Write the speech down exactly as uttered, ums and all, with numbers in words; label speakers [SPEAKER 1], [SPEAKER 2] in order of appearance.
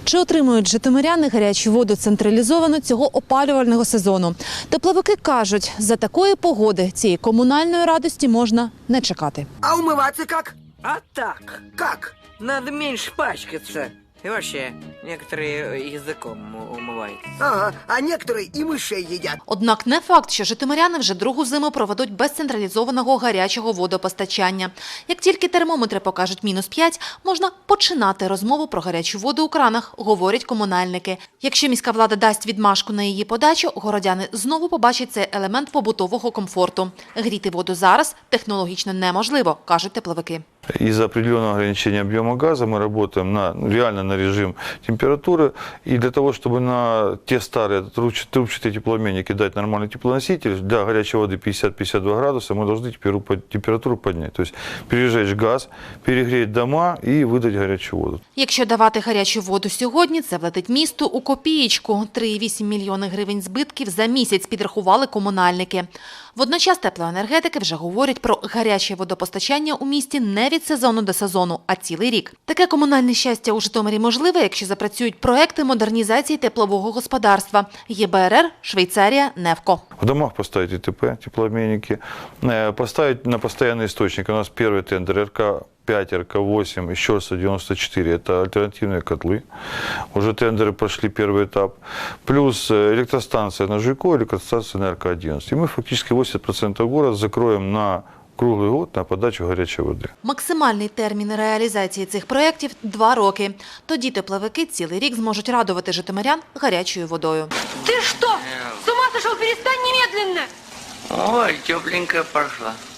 [SPEAKER 1] Чи отримують житомиряни гарячу воду централізовано цього опалювального сезону? Тепловики кажуть, за такої погоди цієї комунальної радості можна не чекати.
[SPEAKER 2] А умываться как?
[SPEAKER 3] А так,
[SPEAKER 2] Как?
[SPEAKER 3] надо меньше пачкаться. И вообще, некоторые языком умываются.
[SPEAKER 2] Ага, а некоторые и мышей едят.
[SPEAKER 1] Однак не факт, що житомиряни вже другу зиму проведуть без централізованого гарячого водопостачання. Як тільки термометри покажуть мінус п'ять, можна починати розмову про гарячу воду у кранах, говорять комунальники. Якщо міська влада дасть відмашку на її подачу, городяни знову побачать цей елемент побутового комфорту. Гріти воду зараз технологічно неможливо, кажуть тепловики.
[SPEAKER 4] Из-за определенного ограничения объема газа мы работаем на, реально на режим температуры. И для того, чтобы на те старые трубчатые теплообменники дать нормальный теплоноситель, для горячей воды пятьдесят — пятьдесят два градуса мы должны температуру поднять. То есть пережечь газ, перегреть дома и выдать горячую воду.
[SPEAKER 1] Якщо давати гарячу воду сьогодні, це влетить місту у копієчку. три цілих вісім мільйони гривень збитків за місяць підрахували комунальники. Водночас теплоенергетики вже говорять про гаряче водопостачання у місті не від сезону до сезону, а цілий рік. Таке комунальне щастя у Житомирі можливе, якщо запрацюють проекти модернізації теплового господарства. ЄБРР, Швейцарія, Невко.
[SPEAKER 4] В домах поставить ИТП, теплообменники, поставить на постоянный источник. У нас первый тендер эр ка пять, эр ка восемь, еще раз девяносто четыре. Это альтернативные котлы. Уже тендеры прошли первый этап. Плюс электростанция на Жуйко, электростанция на эр ка одиннадцать. И мы фактически восемьдесят процентов города закроем на круглий год на подачу гарячої води.
[SPEAKER 1] Максимальний термін реалізації цих проєктів – два роки. Тоді тепловики цілий рік зможуть радувати житомирян гарячою водою.
[SPEAKER 5] Ты что? С ума сошел? Перестань немедленно!
[SPEAKER 3] Ой, тепленькая пошла.